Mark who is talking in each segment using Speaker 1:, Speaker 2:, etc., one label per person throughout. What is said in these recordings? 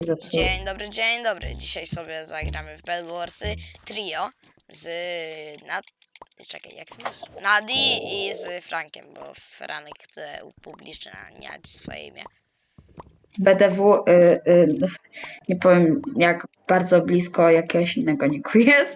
Speaker 1: zepsuły.
Speaker 2: Dzień dobry. Dzisiaj sobie zagramy w Bed Warsy trio z Czekaj, jak to masz? Nadi i z Frankiem, bo Franek chce upubliczniać swoje imię.
Speaker 1: BDW, nie powiem jak bardzo blisko jakiegoś innego niku jest.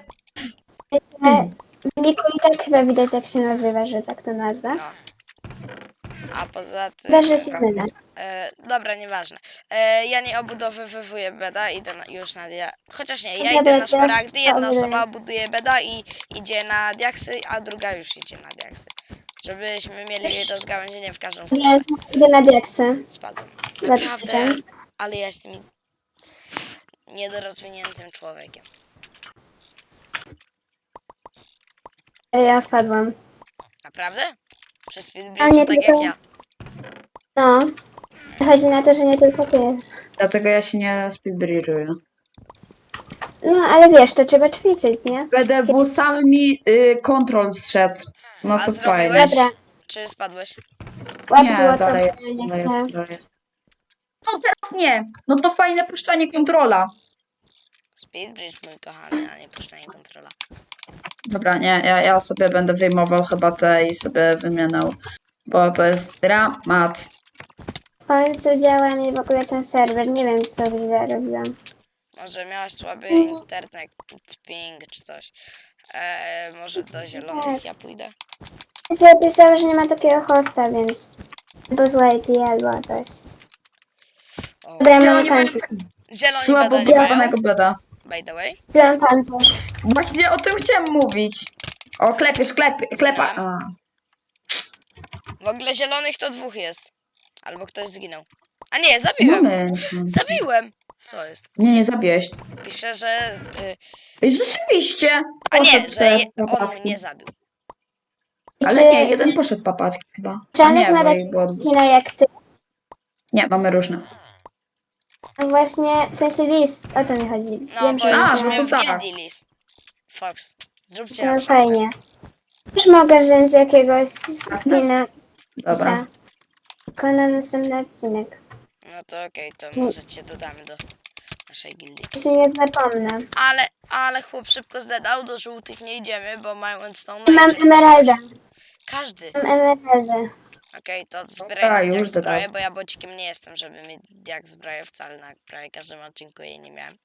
Speaker 3: Niku i tak chyba widać jak się nazywa, że tak to nazwę.
Speaker 2: No. A poza tym...
Speaker 3: Chyba, że jest inna.
Speaker 2: Dobra, nieważne. Ja nie obudowywuję beda, idę już na chociaż nie, ja
Speaker 3: Dobra,
Speaker 2: idę na
Speaker 3: to
Speaker 2: szmaragdy, jedna
Speaker 3: obuduję.
Speaker 2: osoba buduje beda i idzie na diaksy, a druga już idzie na diaksy. Żebyśmy mieli rozgałęzienie w każdą stronę.
Speaker 3: Ja idę na diaksę.
Speaker 2: Spadłem.
Speaker 3: Dobra.
Speaker 2: Naprawdę, ale ja jestem niedorozwiniętym człowiekiem.
Speaker 3: Ja spadłam.
Speaker 2: Naprawdę? Przez
Speaker 3: A nie
Speaker 2: speedbridge tak jak
Speaker 3: tylko-
Speaker 2: ja.
Speaker 3: No. Chodzi na to, że nie tylko ty.
Speaker 1: Dlatego ja się nie speedbridge'uję.
Speaker 3: No, ale wiesz, to trzeba ćwiczyć, nie?
Speaker 1: BDW sam mi kontrol zszedł. No
Speaker 2: A
Speaker 1: to
Speaker 2: zrobiłeś?
Speaker 1: fajnie.
Speaker 3: Dobra,
Speaker 2: Czy spadłeś?
Speaker 3: łap
Speaker 1: Nie,
Speaker 3: złoto,
Speaker 1: dalej,
Speaker 3: bo ja nie
Speaker 1: dalej
Speaker 3: chcę.
Speaker 1: jest, dalej jest. No teraz nie. No to fajne puszczanie kontrola.
Speaker 2: Speedbridge, mój kochany, a nie puszczanie kontrola.
Speaker 1: Dobra, nie, ja sobie będę wyjmował chyba te i sobie wymieniał. Bo to jest dramat.
Speaker 3: W końcu działa mi w ogóle ten serwer. Nie wiem, co źle robiłam.
Speaker 2: Może miałaś słaby internet, ping czy coś. Może do zielonych ja pójdę.
Speaker 3: Zapisało, że nie ma takiego hosta, więc... Albo złe IP, albo coś.
Speaker 2: O.
Speaker 3: Dobra,
Speaker 1: Zieloni
Speaker 3: mam
Speaker 1: mają
Speaker 3: kończyć.
Speaker 2: Zieloni
Speaker 1: słabo
Speaker 2: beda nie mają,
Speaker 1: budowanego beda.
Speaker 2: by the way.
Speaker 3: Wziąłem pancerz.
Speaker 1: Właśnie o tym chciałem mówić. O, klepa. A.
Speaker 2: W ogóle zielonych to dwóch jest. Albo ktoś zginął. A nie, zabiłem!
Speaker 1: Moment.
Speaker 2: Zabiłem! Co jest?
Speaker 1: Nie zabiłeś.
Speaker 2: Pisze, że...
Speaker 1: Ej, rzeczywiście.
Speaker 2: a nie,
Speaker 1: Poszedł
Speaker 2: że
Speaker 1: te
Speaker 2: on
Speaker 1: papatki.
Speaker 2: mnie zabił.
Speaker 1: Ale
Speaker 3: Czy-
Speaker 1: nie, jeden poszedł papatki chyba. A
Speaker 3: Franek
Speaker 1: nie,
Speaker 3: ma
Speaker 1: bo
Speaker 3: takie
Speaker 1: ich było dwóch.
Speaker 3: kina jak ty.
Speaker 1: Nie, mamy różne.
Speaker 3: No właśnie, w sensie list, o to mi chodzi.
Speaker 2: No,
Speaker 3: Wiem,
Speaker 2: bo
Speaker 3: że
Speaker 2: jesteśmy
Speaker 1: no
Speaker 2: w
Speaker 1: to tak.
Speaker 2: gildii Lis. Fox. Zróbcie
Speaker 3: no
Speaker 2: nam
Speaker 3: fajnie. Już mogę wziąć jakiegoś skina.
Speaker 1: Dobra.
Speaker 3: Tylko na następny odcinek.
Speaker 2: No to okej, to może cię dodamy do naszej gildii.
Speaker 3: Ja się nie zapomnę.
Speaker 2: Ale chłop szybko zdedał, do żółtych nie idziemy, bo mają Endstone.
Speaker 3: Mam emeralda.
Speaker 2: Każdy.
Speaker 3: Mam emeraldę.
Speaker 2: Okej, to
Speaker 1: Dobra,
Speaker 2: zbierajmy
Speaker 1: już
Speaker 2: jak zbroję,
Speaker 1: dodam.
Speaker 2: bo ja bocikiem nie jestem, żeby mieć jak zbroję wcale na prawie każdym odcinku jej nie miałem.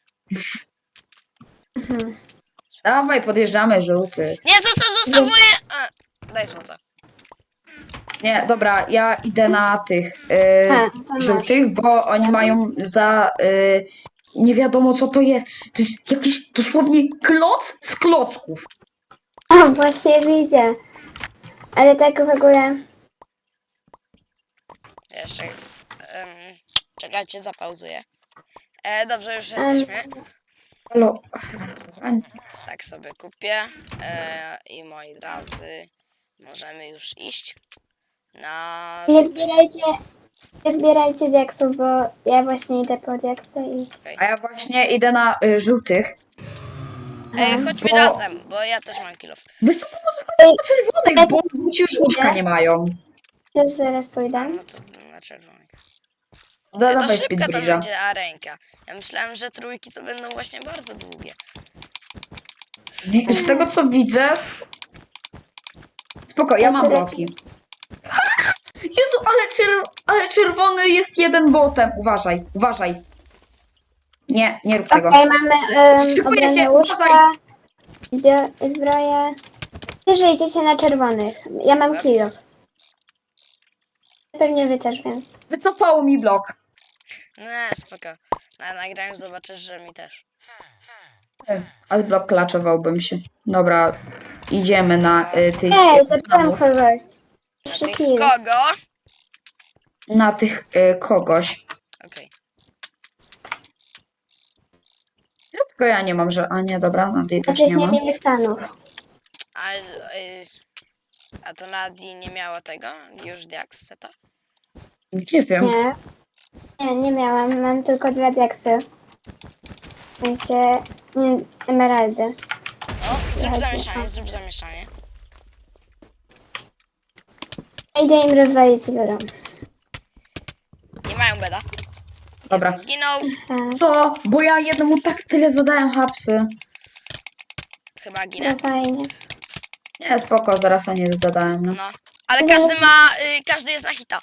Speaker 3: Mhm.
Speaker 1: Dawaj, podjeżdżamy żółtych.
Speaker 2: Nie, zostaw moje... Daj złoto.
Speaker 1: Nie, dobra, ja idę na tych
Speaker 3: To masz.
Speaker 1: żółtych, bo oni mają za nie wiadomo co to jest. To jest jakiś dosłownie kloc z klocków.
Speaker 3: O, właśnie widzę. Ale tak w ogóle...
Speaker 2: Jeszcze... czekajcie, zapauzuję. Dobrze, już jesteśmy.
Speaker 1: Halo.
Speaker 2: Tak sobie kupię. I moi drodzy, możemy już iść na...
Speaker 3: Nie zbierajcie diaksów, bo ja właśnie idę po diaksy i...
Speaker 1: A ja właśnie idę na żółtych.
Speaker 2: Chodźmy
Speaker 1: Bo-
Speaker 2: razem, bo ja też mam kilof.
Speaker 1: Wiesz co, może chodź na czerwonych, bo ci już łóżka nie mają.
Speaker 3: Też zaraz pójdę.
Speaker 2: No to na czerwonych.
Speaker 1: No,
Speaker 2: To
Speaker 1: dawaj
Speaker 2: szybka to
Speaker 1: speedbridge'a.
Speaker 2: będzie arenka. Ja myślałem, że trójki to będą właśnie bardzo długie.
Speaker 1: Z tego co widzę... Spoko, ja mam bloki. Jezu, ale czerwony jest jeden botem. Uważaj. Nie rób tego.
Speaker 3: Okej, mamy
Speaker 1: Szykuję się,
Speaker 3: obronę łóżka,
Speaker 1: uważaj.
Speaker 3: zbroję. Że idziecie na czerwonych. Ja mam
Speaker 2: Super.
Speaker 3: kilo. Pewnie wy też, więc...
Speaker 1: Wycofało mi blok.
Speaker 2: Nie, spoko. Na nagraniu zobaczysz, że mi też.
Speaker 1: Ale blok klaczowałbym się. Dobra, idziemy na tych...
Speaker 3: Ej, zacząłem kogoś.
Speaker 2: Na
Speaker 3: 3
Speaker 2: tych
Speaker 3: kilo.
Speaker 2: kogo?
Speaker 1: Na tych kogoś.
Speaker 2: Okej.
Speaker 1: Tylko ja nie mam, że... A nie, dobra, na tej też
Speaker 3: Znaczy
Speaker 1: nie
Speaker 3: z
Speaker 1: mam.
Speaker 3: niewinnych fanów.
Speaker 2: A to Nadi nie miała tego? Już diaks seta?
Speaker 1: Nie wiem.
Speaker 3: Nie miałam. Mam tylko 2 diaksy. W sensie... emeraldy.
Speaker 2: O, zrób zamieszanie.
Speaker 3: Idę im rozwalić biuro.
Speaker 2: Nie mają beda.
Speaker 1: Dobra.
Speaker 2: Jeden zginął.
Speaker 1: Co? Bo ja jednemu tak tyle zadałem hapsy.
Speaker 2: Chyba ginę.
Speaker 3: No fajnie.
Speaker 1: Nie, spoko, zaraz o nie zadałem, no.
Speaker 2: No. Ale każdy ma, każdy jest na hita.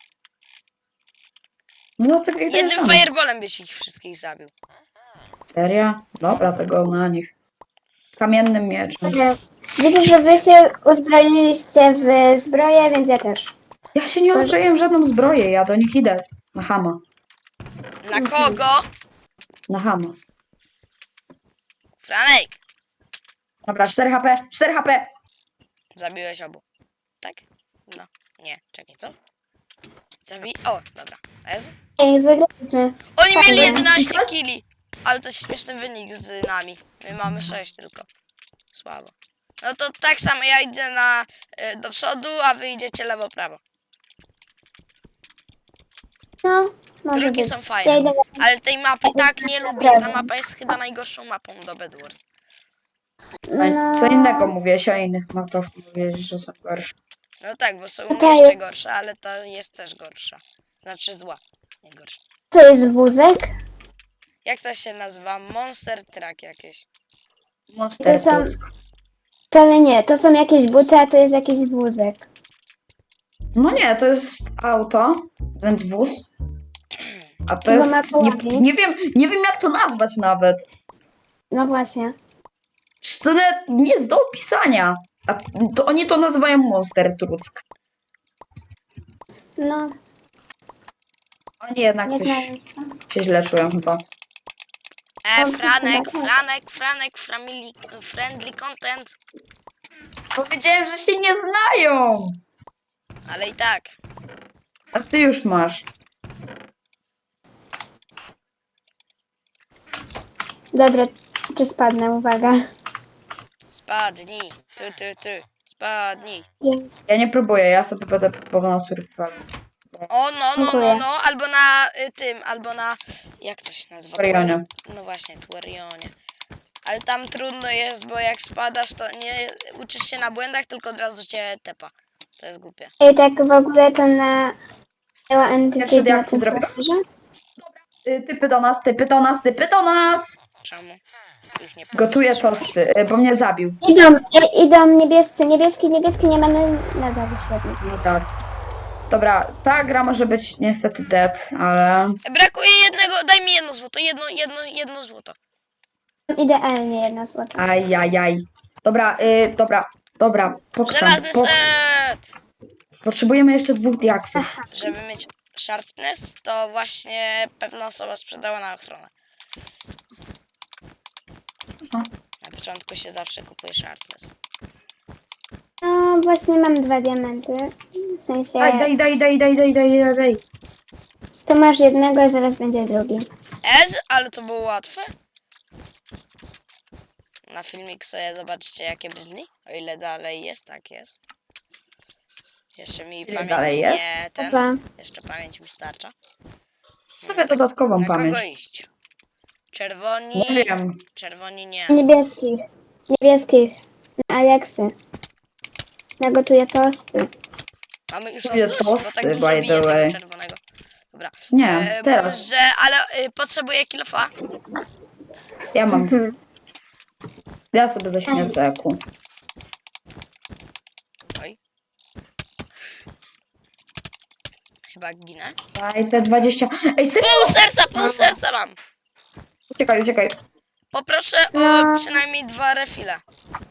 Speaker 1: No to jak
Speaker 2: Jednym fireballem byś ich wszystkich zabił.
Speaker 1: Seria? Dobra, tego na nich. Z kamiennym mieczem.
Speaker 3: Dobra. Widzę, że wy się uzbroiliście w zbroję, więc ja też.
Speaker 1: Ja się nie uzbroiłem w żadną zbroję, ja do nich idę. Na hama.
Speaker 2: Na kogo?
Speaker 1: Na hama.
Speaker 2: Franek.
Speaker 1: Dobra, 4 HP, 4 HP!
Speaker 2: Zabiłeś obu. Tak? No. Nie, czekaj, co? O, dobra. Ez?
Speaker 3: Ej, wygraliśmy.
Speaker 2: Oni mieli
Speaker 3: Fajnie.
Speaker 2: 11 killi. Ale to jest śmieszny wynik z nami. My mamy 6 tylko. Słabo. No to tak samo ja idę do przodu, a wy idziecie lewo, prawo.
Speaker 3: No, może
Speaker 2: Drugi
Speaker 3: być.
Speaker 2: są
Speaker 3: Ja
Speaker 2: fajne.
Speaker 3: idę
Speaker 2: Ale tej mapy tak nie lubię. Ta mapa jest chyba najgorszą mapą do Bed Wars.
Speaker 1: Co innego mówiłeś, o innych mapach mówiłeś, że są gorsze.
Speaker 2: No tak, bo są
Speaker 3: Okej.
Speaker 2: jeszcze gorsze, ale ta jest też gorsza. Znaczy zła, nie gorsza.
Speaker 3: To jest wózek.
Speaker 2: Jak to się nazywa? Monster Truck jakieś.
Speaker 1: Monster
Speaker 3: To są-
Speaker 1: Tusk.
Speaker 3: Wcale nie, to są jakieś buty, a to jest jakiś wózek.
Speaker 1: No nie, to jest auto, więc wóz. A to
Speaker 3: Chyba
Speaker 1: jest...
Speaker 3: ma
Speaker 1: Nie,
Speaker 3: kołami.
Speaker 1: nie wiem jak to nazwać nawet.
Speaker 3: No właśnie.
Speaker 1: Przecież to nawet nie jest do opisania. A to oni to nazywają Monster Truck.
Speaker 3: No,
Speaker 1: Oni jednak
Speaker 3: nie
Speaker 1: coś
Speaker 3: znałem co.
Speaker 1: się źle czują chyba.
Speaker 2: Franek,
Speaker 3: chyba tak.
Speaker 2: friendly content.
Speaker 1: Powiedziałem, że się nie znają.
Speaker 2: Ale i tak.
Speaker 1: A ty już masz.
Speaker 3: Dobra, czy spadnę, uwaga.
Speaker 2: Spadnij. Ty. Spadnij.
Speaker 3: Dzięki.
Speaker 1: Ja nie próbuję, ja sobie będę próbował na survival.
Speaker 3: Dziękuję.
Speaker 2: Albo na albo na... Jak to się nazywa?
Speaker 1: Twarionie.
Speaker 2: No właśnie, Twarionie. Ale tam trudno jest, bo jak spadasz, to nie uczysz się na błędach, tylko od razu cię tepa. To jest głupie.
Speaker 3: I tak w ogóle to na... Miała entity na
Speaker 1: jak
Speaker 3: tym
Speaker 1: zrobię?
Speaker 3: serwerze?
Speaker 1: Typy do nas, typy do nas, typy do nas!
Speaker 2: Czemu? Ich nie
Speaker 1: Gotuję
Speaker 2: powstrzymasz.
Speaker 1: tosty, bo mnie zabił.
Speaker 3: Idą niebiescy, niebieski, nie mamy na gazie, świetnie.
Speaker 1: No tak. Dobra, ta gra może być niestety dead, ale...
Speaker 2: Brakuje jednego, daj mi jedno złoto, jedno złoto.
Speaker 3: Idealnie jedna złota.
Speaker 1: Ajajaj. Dobra, dobra. Pokczam.
Speaker 2: Żelazny set!
Speaker 1: Potrzebujemy jeszcze 2 diaksów.
Speaker 2: Żeby mieć sharpness, to właśnie pewna osoba sprzedała na ochronę.
Speaker 1: Aha.
Speaker 2: Na początku się zawsze kupuje sharpness.
Speaker 3: No właśnie mam 2 diamenty. W sensie,
Speaker 1: Daj.
Speaker 3: to masz jednego, a zaraz będzie drugi.
Speaker 2: Ale to było łatwe. Na filmik sobie zobaczcie jakie brzmi. O ile dalej jest, tak jest. Jeszcze mi
Speaker 1: Ile
Speaker 2: pamięć
Speaker 1: dalej jest?
Speaker 2: nie ten.
Speaker 3: Chyba.
Speaker 2: Jeszcze pamięć mi starcza.
Speaker 1: Sobie dodatkową
Speaker 2: Na
Speaker 1: pamięć.
Speaker 2: kogo iść? Czerwoni.
Speaker 1: Nie wiem.
Speaker 2: Czerwoni nie.
Speaker 3: Niebieskich. Na Aleksy. Nagotuję tosty.
Speaker 2: Mamy już
Speaker 1: Lubię
Speaker 2: ostrość, bo tak
Speaker 1: tosty,
Speaker 2: dużo
Speaker 1: by
Speaker 2: bije
Speaker 1: the
Speaker 2: tego
Speaker 1: way.
Speaker 2: czerwonego. Dobra.
Speaker 1: Nie, teraz.
Speaker 2: Może, ale potrzebuję kilofa.
Speaker 1: Ja mam.
Speaker 3: Mhm.
Speaker 1: Ja sobie zaśmiecę eku.
Speaker 2: Oj. Chyba ginę.
Speaker 1: Daj te 20. Ej, serio?
Speaker 2: Pół serca mam.
Speaker 1: Uciekaj.
Speaker 2: Poproszę
Speaker 3: No.
Speaker 2: o przynajmniej 2 refile.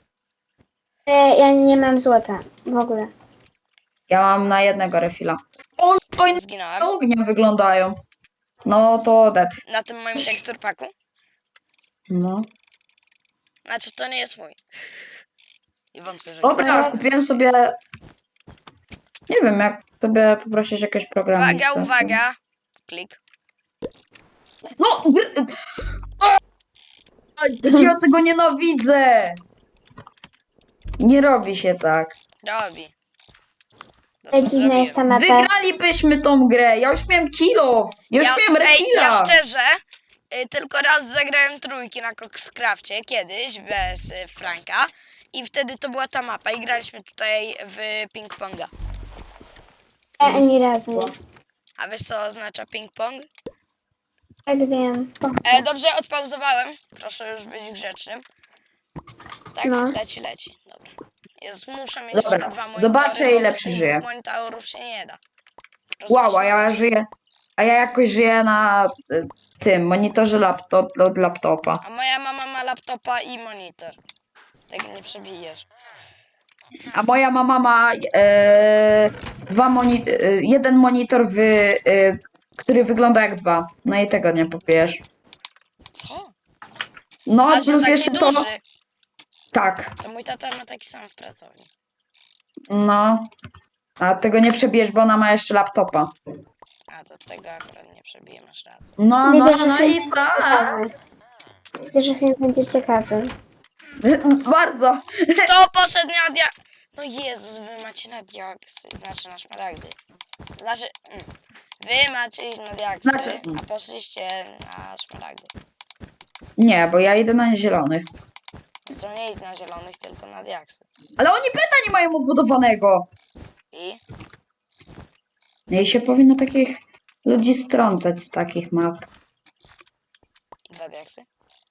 Speaker 3: Ja nie mam złota. W ogóle.
Speaker 1: Ja mam na jednego refila. O, fajne
Speaker 2: Zginąłem.
Speaker 1: ognie wyglądają. No to dead.
Speaker 2: Na tym moim teksturpaku.
Speaker 1: No.
Speaker 2: Znaczy to nie jest mój. I wątpię, że
Speaker 1: Dobra,
Speaker 2: ktoś-
Speaker 1: kupiłem sobie... Nie wiem, jak sobie poprosić jakieś programy.
Speaker 2: Uwaga. Klik.
Speaker 1: No! Ja tego nienawidzę! Nie robi się tak.
Speaker 2: Robi. Bo
Speaker 3: Tak
Speaker 2: to
Speaker 3: dziwna jest ta mapa.
Speaker 1: Wygralibyśmy tą grę! Ja już miałem kilo! Ja już miałem refila!
Speaker 2: ja szczerze tylko raz zagrałem trójki na Coxcrafcie kiedyś bez Franka i wtedy to była ta mapa i graliśmy tutaj w ping-ponga.
Speaker 3: Ja ani razu nie.
Speaker 2: A wiesz co oznacza ping-pong?
Speaker 3: Tak wiem.
Speaker 2: Dobrze, odpauzowałem. Proszę już być grzecznym. Tak,
Speaker 3: No.
Speaker 2: leci. Dobra. Jezus, muszę mieć
Speaker 1: Dobra,
Speaker 2: już te 2 monitory,
Speaker 1: zobaczę,
Speaker 2: bo
Speaker 1: ile
Speaker 2: bez tych
Speaker 1: przeżyję.
Speaker 2: 2 monitorów się nie da.
Speaker 1: Wow,
Speaker 2: Rozumiesz,
Speaker 1: a
Speaker 2: nie da
Speaker 1: ja
Speaker 2: się.
Speaker 1: żyję. A ja jakoś żyję na tym monitorze od laptopa.
Speaker 2: A moja mama ma laptopa i monitor. Tego nie przebijesz.
Speaker 1: A moja mama ma jeden monitor, który wygląda jak dwa. No i tego nie popiesz.
Speaker 2: Co?
Speaker 1: No,
Speaker 2: A, że
Speaker 1: plus
Speaker 2: taki
Speaker 1: jeszcze to.
Speaker 2: duży.
Speaker 1: Tak,
Speaker 2: To mój tata ma taki sam w pracowni.
Speaker 1: no. A tego nie przebijesz, bo ona ma jeszcze laptopa.
Speaker 2: A, to tego akurat nie przebiję, masz rację.
Speaker 1: No,
Speaker 3: Widzę,
Speaker 1: no,
Speaker 3: że
Speaker 1: no
Speaker 3: film
Speaker 1: i
Speaker 3: będzie
Speaker 1: co?
Speaker 3: ciekawy. Widzę, że film będzie ciekawy.
Speaker 1: Bardzo.
Speaker 2: Kto poszedł na No Jezus, wy macie na diaksy, znaczy na szmaragdy. Znaczy, wy macie iść na diaksy,
Speaker 1: Znaczy-
Speaker 2: a poszliście na szmaragdy.
Speaker 1: Nie, bo ja idę na zielonych.
Speaker 2: To nie idź na zielonych, tylko na diaksy.
Speaker 1: Ale oni pyta nie mają obudowanego.
Speaker 2: I?
Speaker 1: No i się powinno takich ludzi strącać z takich map.
Speaker 2: 2 diaksy?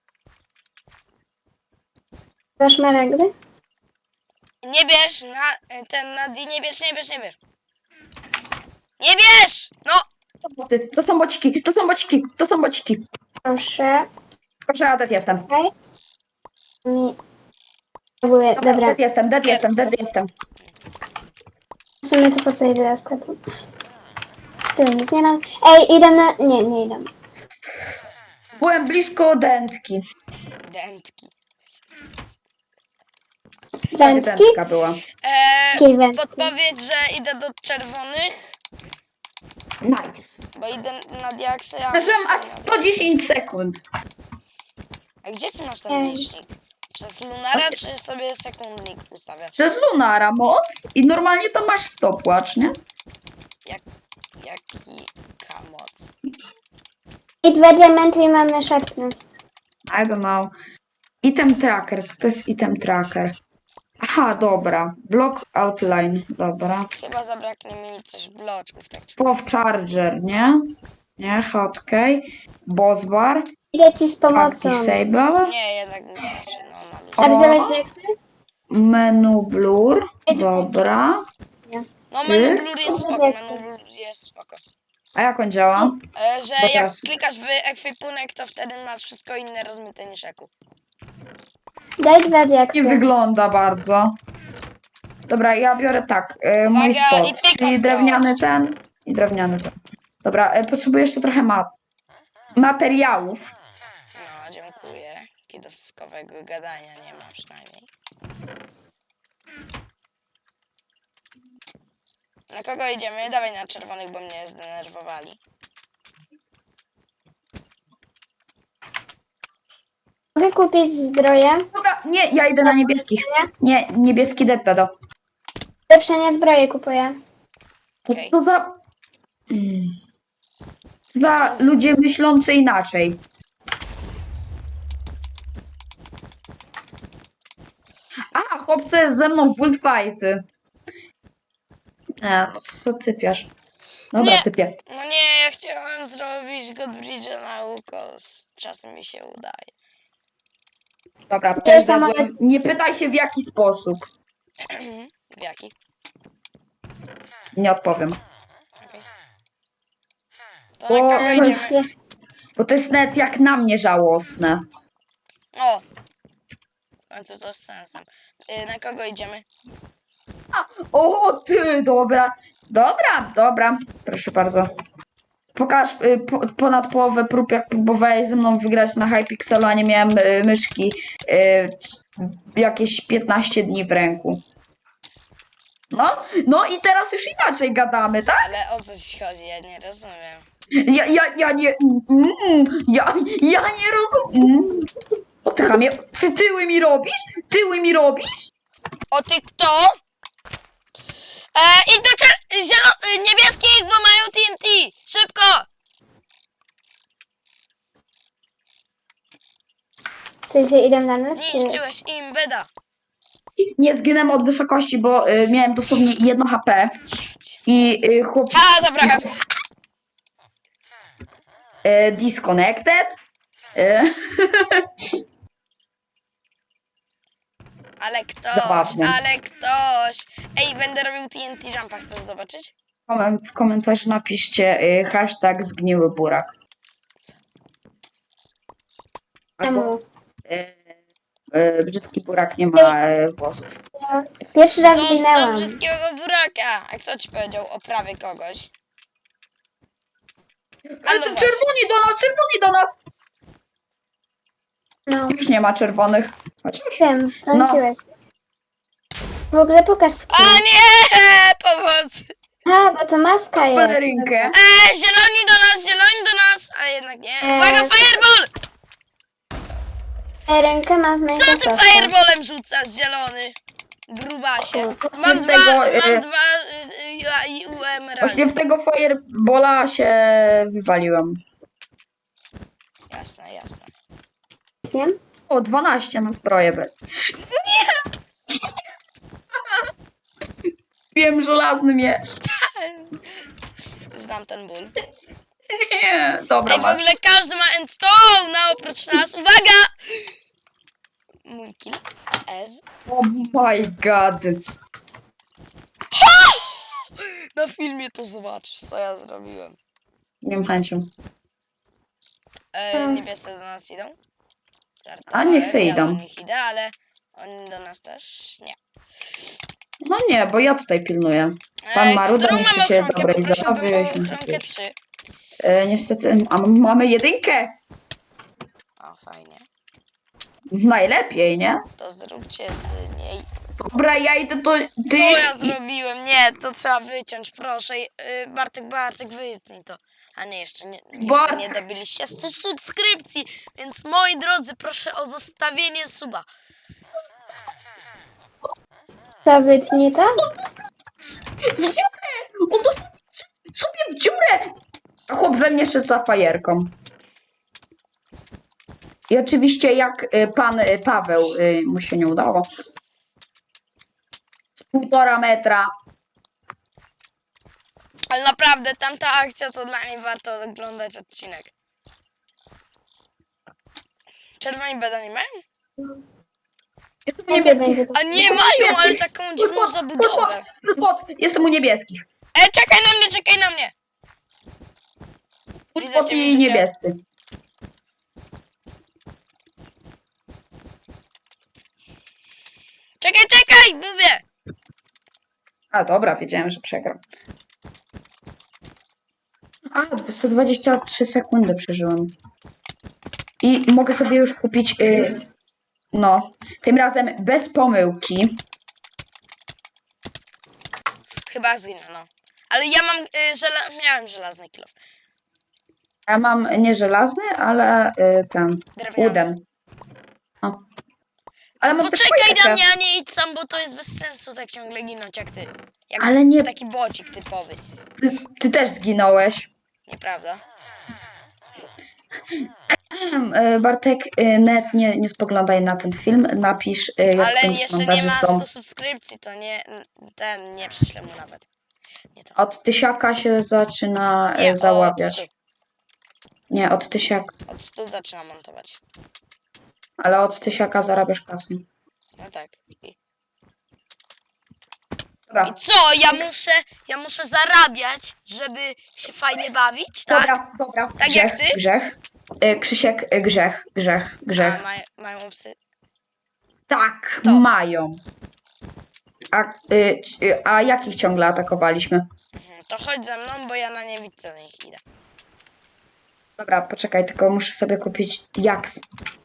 Speaker 3: Masz szmaragdy?
Speaker 2: Nie bierz, na D, nie bierz. Nie bierz! No!
Speaker 1: To są bociki, to są bociki, to są bociki.
Speaker 3: Proszę.
Speaker 1: Tylko, że ja dead jestem.
Speaker 3: Okej. Mi... Próbuję. Dobra.
Speaker 1: Dead jestem.
Speaker 3: W sumie to po co idę do sklepu? Tu nic nie mam. Ej, idę na... Nie idę.
Speaker 1: Byłem blisko dętki.
Speaker 2: Dętki.
Speaker 3: Wędki?
Speaker 1: Dętka była.
Speaker 3: Jakiej wędki?
Speaker 2: Podpowiedź, że idę do czerwonych,
Speaker 1: Nice.
Speaker 2: bo idę na diaksy, a
Speaker 1: Przeżyłem
Speaker 2: oni
Speaker 1: aż
Speaker 2: są na diaksy.
Speaker 1: 110 sekund.
Speaker 2: A gdzie ty masz ten
Speaker 3: Ej.
Speaker 2: licznik? Przez Lunara, czy sobie sekundnik ustawiasz?
Speaker 1: Przez Lunara moc i normalnie to masz stopwatch, nie?
Speaker 2: Jaki kamoc?
Speaker 3: I 2 diamenty i mamy sharpness.
Speaker 1: I don't know. Item tracker, co to jest item tracker? Aha, dobra. Block outline, dobra.
Speaker 2: Chyba zabraknie mi coś bloczków, tak czuję.
Speaker 1: Pow charger, nie? Nie, hotkey. Boss bar.
Speaker 3: Idę ci z pomocą.
Speaker 1: Disable.
Speaker 2: Nie, jednak mi starczy, no na luzie.
Speaker 3: A
Speaker 1: O.
Speaker 3: wziąłeś diaksy?
Speaker 1: Menu blur. Dobra.
Speaker 2: No menu blur jest spoko, menu blur jest spoko.
Speaker 1: A jak on działa?
Speaker 2: Że
Speaker 1: Bo
Speaker 2: jak
Speaker 1: teraz-
Speaker 2: klikasz w ekwipunek, to wtedy masz wszystko inne rozmyte niż eku.
Speaker 3: Daj 2 diaksy.
Speaker 1: Nie wygląda bardzo. Dobra, ja biorę tak. Mój
Speaker 2: Uwaga,
Speaker 1: spot.
Speaker 2: i pyk
Speaker 1: Czyli
Speaker 2: ostrość.
Speaker 1: drewniany ten i drewniany ten. Dobra, potrzebuję jeszcze trochę materiałów.
Speaker 2: No, dziękuję. Kidowskowego gadania nie ma przynajmniej. Na kogo idziemy? Dawaj na czerwonych, bo mnie zdenerwowali.
Speaker 3: Mogę kupić zbroję?
Speaker 1: Dobra, nie, ja idę na niebieskich. Nie, niebieski deadpedo.
Speaker 3: Lepszenie zbroję kupuję.
Speaker 1: To
Speaker 2: Okej.
Speaker 1: co za... Za ludzie myślący inaczej. A, chłopcy ze mną w bullfighty. Nie, no co typiasz? Dobra,
Speaker 2: Nie.
Speaker 1: typię.
Speaker 2: No nie, ja chciałem zrobić Godbridge'a na ukos. Czasem mi się udaje.
Speaker 1: Dobra, też
Speaker 3: sama-
Speaker 1: zjadłem. Nie pytaj się w jaki sposób.
Speaker 2: W jaki?
Speaker 1: Nie odpowiem.
Speaker 2: Okej. To na kogo
Speaker 1: O,
Speaker 2: idziemy?
Speaker 1: Bo to jest nawet jak na mnie żałosne.
Speaker 2: O! W końcu to z sensem. Na kogo idziemy?
Speaker 1: O, ty, dobra. Dobra. Proszę bardzo. Pokaż ponad połowę prób, jak próbowałeś ze mną wygrać na Hypixelu, a nie miałem myszki jakieś 15 dni w ręku. No i teraz już inaczej gadamy, tak?
Speaker 2: Ale o coś chodzi, ja nie rozumiem.
Speaker 1: Ja nie... Ja nie rozumiem. O ty chamie, ty tyły mi robisz?
Speaker 2: O ty kto? I do niebieskich, bo mają TNT! Szybko!
Speaker 3: Ty się idę na nas? czy-
Speaker 2: Zniszczyłeś im beda.
Speaker 1: Nie zginęłem od wysokości, bo miałem dosłownie 1 HP i chłop...
Speaker 2: Ha, zabrałem.
Speaker 1: Disconnected. E,
Speaker 2: Ale
Speaker 1: Zabawnie.
Speaker 2: ktoś. Ej, będę robił TNT Jumpa, chcesz zobaczyć?
Speaker 1: W komentarzu napiszcie hashtag zgniły burak. Albo
Speaker 3: Czemu?
Speaker 1: brzydki burak nie ma włosów.
Speaker 3: Ja pierwszy raz
Speaker 2: Zostaw
Speaker 3: zginęłam.
Speaker 2: brzydkiego buraka! A kto ci powiedział o prawie kogoś?
Speaker 1: Ale
Speaker 2: no
Speaker 1: to
Speaker 2: właśnie.
Speaker 1: czerwoni do nas!
Speaker 3: No,
Speaker 1: Już nie ma czerwonych. Chociaż.
Speaker 3: wiem, trąciłeś. W ogóle pokaż
Speaker 2: O
Speaker 3: skin.
Speaker 2: nie! Pomocy!
Speaker 3: A, bo to maska jest.
Speaker 1: Pelerynkę.
Speaker 2: Zieloni do nas! A jednak nie.
Speaker 3: Eee,
Speaker 2: Uwaga, fireball!
Speaker 3: Rękę ma z
Speaker 2: Co ty
Speaker 3: Minecrafta.
Speaker 2: fireballem rzucasz, zielony? Grubasie. Mam
Speaker 1: Tego,
Speaker 2: dwa i emeraldy.
Speaker 1: Właśnie w tego firebola się wywaliłem.
Speaker 2: Jasne, jasne.
Speaker 3: Wiem?
Speaker 1: O, 12 na zbroję bez. Nie! Wiem, żelazny miecz.
Speaker 2: Znam ten ból.
Speaker 1: Nie, dobra,
Speaker 2: Ej, w
Speaker 1: masz.
Speaker 2: ogóle każdy ma endstone, a oprócz nas. Uwaga! Mój kill. Ez.
Speaker 1: Oh my god.
Speaker 2: Na filmie to zobaczysz, co ja zrobiłem.
Speaker 1: Nie mam chęcią.
Speaker 2: Niebiescy do nas idą.
Speaker 1: A
Speaker 2: Żartowałem,
Speaker 1: niech se
Speaker 2: ja do
Speaker 1: idą.
Speaker 2: nich idę, ale oni do nas też nie.
Speaker 1: No nie, bo ja tutaj pilnuję. Pan Maruda
Speaker 2: Którą
Speaker 1: niszczy
Speaker 2: mam
Speaker 1: się
Speaker 2: ochronkę?
Speaker 1: dobrej
Speaker 2: Poprosiłbym
Speaker 1: zabawy.
Speaker 2: o ochronkę 3.
Speaker 1: Niestety, a mamy jedynkę.
Speaker 2: O, fajnie.
Speaker 1: Najlepiej, nie?
Speaker 2: To zróbcie z niej.
Speaker 1: Dobra, ja idę do
Speaker 2: Co
Speaker 1: tych.
Speaker 2: ja zrobiłem? Nie, to trzeba wyciąć, proszę. Bartek, wytnij to. A nie, jeszcze nie dobiliście 100 subskrypcji, więc moi drodzy, proszę o zostawienie suba.
Speaker 3: Co, wytnie to?
Speaker 1: W dziurę! On to sobie w dziurę! A chłop we mnie szedł za fajerką. I oczywiście jak pan Paweł mu się nie udało. Z 1,5 metra.
Speaker 2: Ale naprawdę, tamta akcja to dla niej warto oglądać odcinek. Czerwoni beda nie mają?
Speaker 1: Jestem u
Speaker 3: Jakie
Speaker 1: niebieskich.
Speaker 3: będzie to?
Speaker 2: A nie mają, ale taką dziwną zabudowę.
Speaker 1: Jestem u niebieskich.
Speaker 2: Czekaj na mnie! Widzę cię,
Speaker 1: I
Speaker 2: widzę cię.
Speaker 1: niebiescy.
Speaker 2: Czekaj, mówię!
Speaker 1: A dobra, wiedziałem, że przegram. A, 123 sekundy przeżyłem. I mogę sobie już kupić, no, tym razem bez pomyłki.
Speaker 2: Chyba zginę, no. Ale ja mam, miałem żelazny kilof.
Speaker 1: Ja mam nie żelazny, ale ten,
Speaker 2: Drewniany.
Speaker 1: wooden. O. Ale mam też
Speaker 2: Poczekaj na
Speaker 1: fajeczkę.
Speaker 2: mnie, a nie idź sam, bo to jest bez sensu tak ciągle ginąć jak ty. Jak
Speaker 1: Ale nie,
Speaker 2: taki bocik typowy.
Speaker 1: ty też zginąłeś.
Speaker 2: Nieprawda?
Speaker 1: Bartek, net nie spoglądaj na ten film, napisz jak
Speaker 2: Ale
Speaker 1: tym
Speaker 2: jeszcze nie ma
Speaker 1: montażystą.
Speaker 2: 100 subskrypcji, to nie prześlę mu nawet. Nie to.
Speaker 1: Od tysiaka się zaczyna
Speaker 2: Nie,
Speaker 1: załapiać.
Speaker 2: od 100.
Speaker 1: Nie, od tysiaka.
Speaker 2: Od 100 zaczynam montować.
Speaker 1: Ale od tysiaka zarabiasz kasę.
Speaker 2: No tak.
Speaker 1: Dobra,
Speaker 2: I co? Ja muszę zarabiać, żeby się fajnie bawić, tak?
Speaker 1: dobra.
Speaker 2: Tak jak ty?
Speaker 1: Grzech. Krzysiek, grzech.
Speaker 2: A mają psy.
Speaker 1: Tak,
Speaker 2: Kto?
Speaker 1: mają. A jakich ciągle atakowaliśmy?
Speaker 2: To chodź ze mną, bo ja na niewidce na nich idę.
Speaker 1: Dobra, poczekaj, tylko muszę sobie kupić diaks.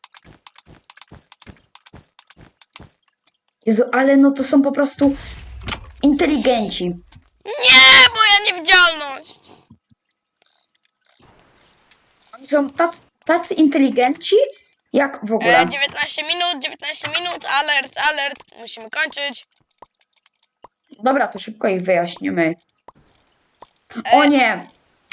Speaker 1: Jezu, ale no to są po prostu inteligenci.
Speaker 2: Nie, moja niewidzialność!
Speaker 1: Oni są tacy inteligenci, jak w ogóle.
Speaker 2: 19 minut, alert, musimy kończyć.
Speaker 1: Dobra, to szybko ich wyjaśnimy. O nie!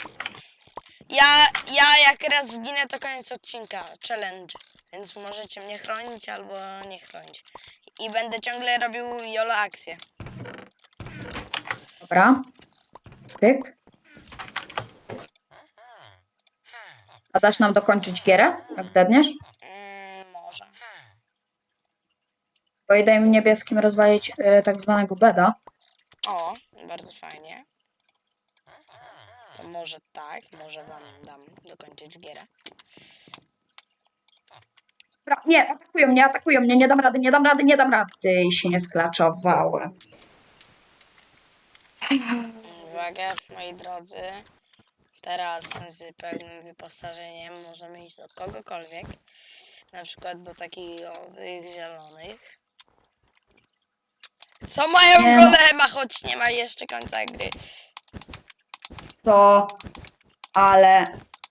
Speaker 2: Ja jak raz zginę, to koniec odcinka, challenge. Więc możecie mnie chronić albo nie chronić. I będę ciągle robił YOLO akcje.
Speaker 1: Dobra. Pyk. A dasz nam dokończyć gierę, jak dedniesz?
Speaker 2: Może.
Speaker 1: Bo i daj mi niebieskim rozwalić tak zwanego beda.
Speaker 2: O, bardzo fajnie. To może tak, może wam dam dokończyć gierę.
Speaker 1: Dobra, nie, atakują mnie, nie dam rady, I się nie sklaczowałem.
Speaker 2: Uwaga, moi drodzy. Teraz z pełnym wyposażeniem możemy iść do kogokolwiek. Na przykład do takich owych zielonych. Co mają
Speaker 1: Nie no.
Speaker 2: golema, choć nie ma jeszcze końca gry.
Speaker 1: To, ale...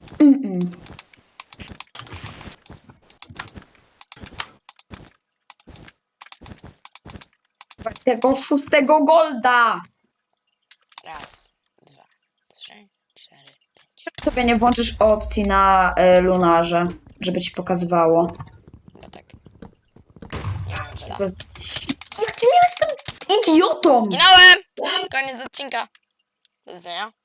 Speaker 1: Tego 6 golda!
Speaker 2: Raz, dwa, trzy, cztery, pięć.
Speaker 1: Sobie nie włączysz opcji na lunarze, żeby ci pokazywało.
Speaker 2: Bo tak. Nie mam gola.
Speaker 1: Jakim jestem idiotą!
Speaker 2: Zginąłem! Koniec odcinka. Do widzenia.